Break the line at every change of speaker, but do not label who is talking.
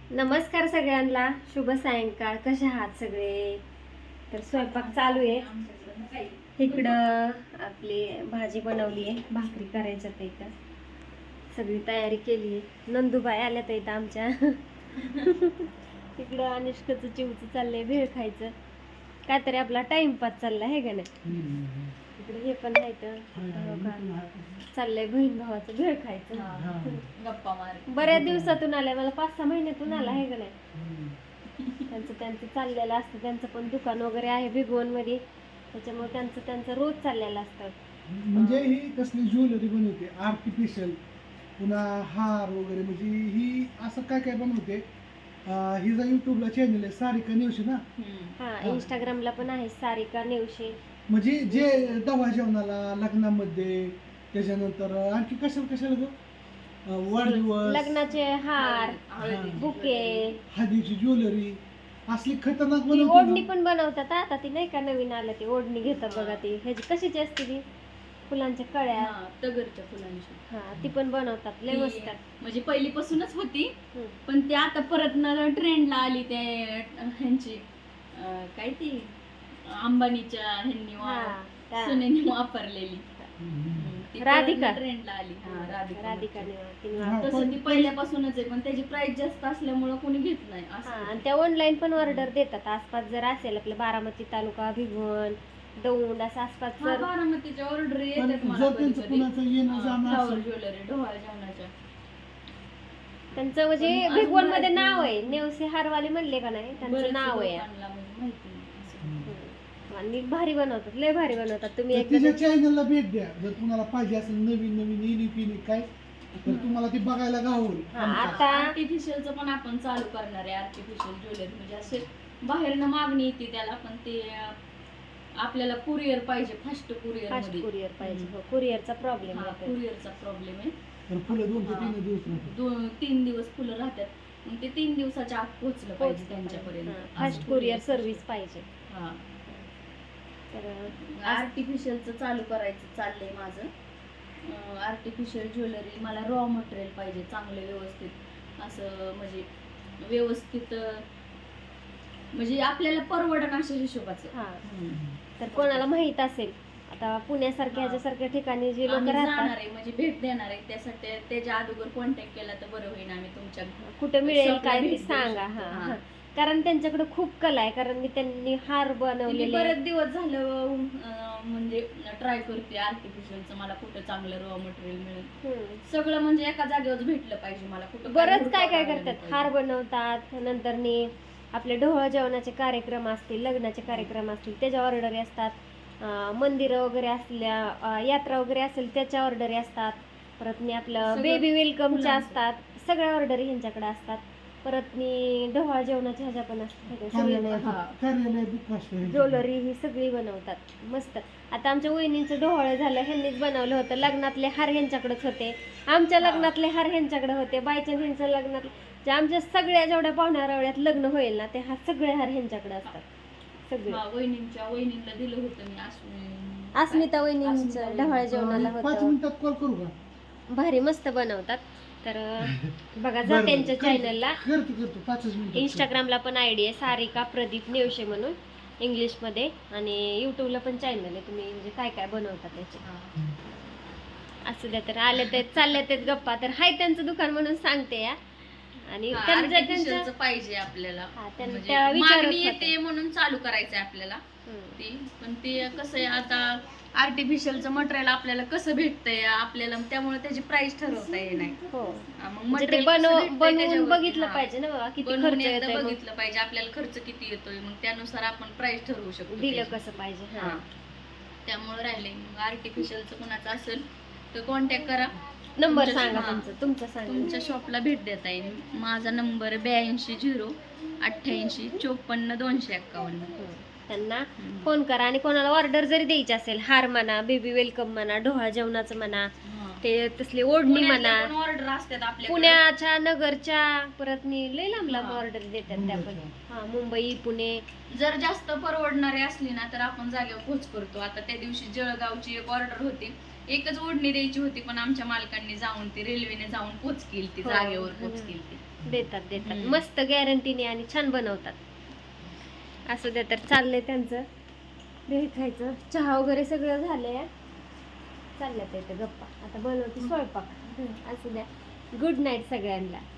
नमस्कार सगळ्यांना, शुभ सायंकाळ. कसे आहात सगळे? तर स्वयंपाक चालू आहे. इकडं आपली भाजी बनवली आहे, भाकरी करायच्या इथं सगळी तयारी केली आहे. नंदूबाई आल्यात इथं आमच्या. इकडं अनुष्काचं चिवचं चाललंय, भेळ खायचं काहीतरी, आपला टाइमपास चाललाय आहे का नाही. इकडे हे पण आहे तर चाललंय बहीण भावाचं भेळ खायचं,
गप्पा मार.
बऱ्याच दिवसातून आलाय, मला 5-6 महिन्यातून आला आहे का नाही. त्यांचं चाललेलं असतं, त्यांचं पण दुकान वगैरे आहे भिगवण मध्ये, त्याच्यामुळे त्यांचं रोज चाललेलं असतं.
म्हणजे ही कसली ज्वेलरी बनवते आर्टिफिशियल, पुन्हा हार वगैरे, म्हणजे ही असं काय काय बनवते. हिचा युट्यूबला चॅनल आहे सारिका नेवशे ना.
हा, इंस्टाग्रामला पण आहे सारिका नेवशे.
म्हणजे जे डबा जेवणाला, लग्नामध्ये, त्याच्यानंतर आणखी कशाला ग, वाढदिवस,
लग्नाचे हार, बुके,
हळदीची ज्वेलरी, असली खतरनाक
ती ओढणी
बनवते.
पण बनवतात. आता ती नाही का नवीन आलं, ती ओढणी घेतात बघा. ती ह्याची कशाची असते ती, फुलांच्या कळ्या,
तगरच्या फुलांची.
हा ती पण बनवतात, लय मस्त.
म्हणजे पहिलीपासूनच होती,
हम्म.
पण ती आता परत ट्रेंडला आली. ते ह्यांची काय ती अंबानीच्या ह्यांनी सुनेनी वापरलेली ती
राधिका.
ट्रेंडला आली.
राधिका
तसं ती पहिल्यापासूनच आहे, पण त्याची प्राइस जास्त असल्यामुळे कोणी घेत नाही असं.
आणि त्या ऑनलाईन पण ऑर्डर देतात. आसपास जर असेल आपलं बारामती तालुका, भिगवण, दौंड असं आसपास
हा,
जर
बारामतीच्या ऑर्डर येतात
पण
मला
जर
कधी
त्यांचं
कधी.
कुणाचं येणं जाणं
फ्लॉवर
असेल,
ज्वेलरी, ढोहाळ जेवणाच्या.
त्यांचं म्हणजे
पण
भिगवण मध्ये
अजून
नाव आहे, नेवसे हारवाले म्हणले का नाही, त्यांचं
बरेच
नाव आहे.
लोकांना म्हणजे माहिती नाही असं.
आणि भारी बनवतात, लय भारी बनवतात. तुम्ही
तर
एकदा
तिच्या चॅनलला भेट द्या. जर तुम्हाला पाहिजे असेल नवीन युनिक काय, तर तुम्हाला ती बघायला गावल.
आता
आर्टिफिशियलचं पण आपण चालू करणार आहे. आर्टिफिशियल ज्वेलरी म्हणजे असे बाहेरनं मागणी येते त्याला, पण ते आपल्याला कुरिअर पाहिजे, फास्ट कुरिअर
फास्ट
मध्ये.
कुरिअर पाहिजे. हो, कुरिअरचा प्रॉब्लेम आहे.
कुरिअरचा प्रॉब्लेम आहे.
तर फुलं 2 ते 3 दिवस राहतात.
3 दिवस फुलं राहतात, मग ते 3 दिवसाच्या आत पोहोचलं पाहिजे त्यांच्यापर्यंत.
फास्ट कुरिअर सर्व्हिस पाहिजे.
हा,
तर
आर्टिफिशियलचं चालू करायचं चाललंय माझं. आर्टिफिशियल ज्वेलरी मला रॉ मटेरियल पाहिजे, चांगलं व्यवस्थित असं, म्हणजे व्यवस्थित, म्हणजे आपल्याला परवडण अशा हिशोबाचं.
हा, तर कोणाला माहित असेल, आता पुण्यासारख्या ह्याच्यासारख्या ठिकाणी जे लोक
आम्ही जाणार
राहतात,
आहे, म्हणजे भेट देणार आहे, त्यासाठी त्याच्या अगोदर कॉन्टॅक्ट केला तर बरं होईल. आम्ही तुमच्या
कुठे मिळेल
शॉपला
काय ते
भेट देऊ
सांगा.
शकतो.
हा,
हा.
हा. कारण त्यांच्याकडे खूप कला आहे, कारण मी त्यांनी हार
मी
बनवलेले
बरेच दिवस झालं म्हणजे ट्राय करते आर्टिफिशियलचं, मला कुठं चांगलं रॉ मटेरियल मिळेल. सगळं म्हणजे एका जागेवर भेटलं पाहिजे मला. कुठं
बरंच काय काय करतात. हार बनवतात, नंतर आपले ढोळ जेवणाचे कार्यक्रम असतील, लग्नाचे कार्यक्रम असतील, त्याच्या ऑर्डरी असतात. मंदिरं वगैरे असल्या, यात्रा वगैरे असेल त्याच्या ऑर्डरी असतात. परत आपलं
सगळं
बेबी वेलकमच्या
फुलांचं.
असतात, सगळ्या ऑर्डरी ह्यांच्याकडे असतात. परत ढोळ जेवणाच्या ह्याच्या पण असतात.
कार्यालय दुःख असतं.
ज्वेलरी ही सगळी बनवतात मस्त. आता आमच्या वहिनींचं ढोळ झालं, ह्यांनीच बनवलं होतं. लग्नातले हार ह्यांच्याकडेच होते, आमच्या लग्नातले हार ह्यांच्याकडे होते, बायच्या ह्यांच्या लग्नातले, जे आमच्या सगळ्या जेवढ्या पाहुण्यारावळ्यात लग्न होईल ना, ते सगळे हार ह्यांच्याकडे असतात. सगळे
वहिनीला दिलं होतं मी.
अस्मिता वहिनींचं ढोळ जेवणाला
5
होतं.
मिनिटात कॉल करू का?
भारी मस्त बनवतात. तर बघा, जा त्यांच्या चॅनलला.
करतो 5 मिनिटात.
इंस्टाग्रामला पण आयडी आहे सारिका प्रदीप नेवशे म्हणून, इंग्लिशमध्ये. आणि युट्यूबला पण चॅनल आहे. तुम्ही म्हणजे काय काय बनवतात त्याचे असू द्या. तर आले ते चालले ते गप्पा, तर हाय त्यांचं दुकान म्हणून सांगते या. आणि
आर्टिफिशियलचं पाहिजे आपल्याला, म्हणजे
त्या विचारत
मागणी
होत्या.
येते म्हणून चालू करायचंय आपल्याला ती. पण ते कसं आहे, आता आर्टिफिशियलचं मटेरियल आपल्याला कसं भेटतंय आपल्याला, त्यामुळे त्याची प्राइस ठरवता येणार नाही.
हो,
मग
म्हणजे ते
मटेरियल कसं भेटतंय
बनवून
त्याच्यावरती.
बघितलं
हा.
पाहिजे ना बाबा, किती
बनवून
खर्च
एकदा
येतोय, मग
बघितलं पाहिजे आपल्याला खर्च किती येतोय, मग त्यानुसार आपण प्राइस ठरवू शकतो
दिलं
त्याची.
कसं पाहिजे.
हा. त्यामुळे राहिले. मग आर्टिफिशियलचं कोणाचं असेल तर कॉन्टॅक्ट करा.
नंबर
तुमच्या-
सांगा
हा.
तुमचा सांगा.
तुमच्या शॉपला भेट देता येईल. माझा नंबर 82 0 88 54 251.
त्यांना फोन करा. आणि कोणाला ऑर्डर जरी द्यायची असेल, हार म्हणा, बेबी वेलकम म्हणा, ढोहाळ जेवणाचं म्हणा, ते तसली ओढणी म्हणा,
ऑर्डर असतात आपल्या
पुण्याच्या, नगरच्या, परत लय लांब लांब ऑर्डर देतात त्या पण. हा, मुंबई, पुणे.
जर जास्त परवडणारी असली ना तर आपण जागेवर पोच करतो. आता त्या दिवशी जळगावची एक ऑर्डर होती, एकच ओढणी द्यायची होती, पण आमच्या मालकांनी जाऊन ती रेल्वेने जाऊन पोच केली, ती जागेवर पोच केली.
देतात
हम्म.
मस्त गॅरंटीने आणि छान बनवतात. असं द्या, तर चाललंय त्यांचं दही खायचं. चहा वगैरे सगळं झालंय, चालल्यात इथे गप्पा. आता बनवते स्वयंपाक. असू द्या. गुड नाईट सगळ्यांना.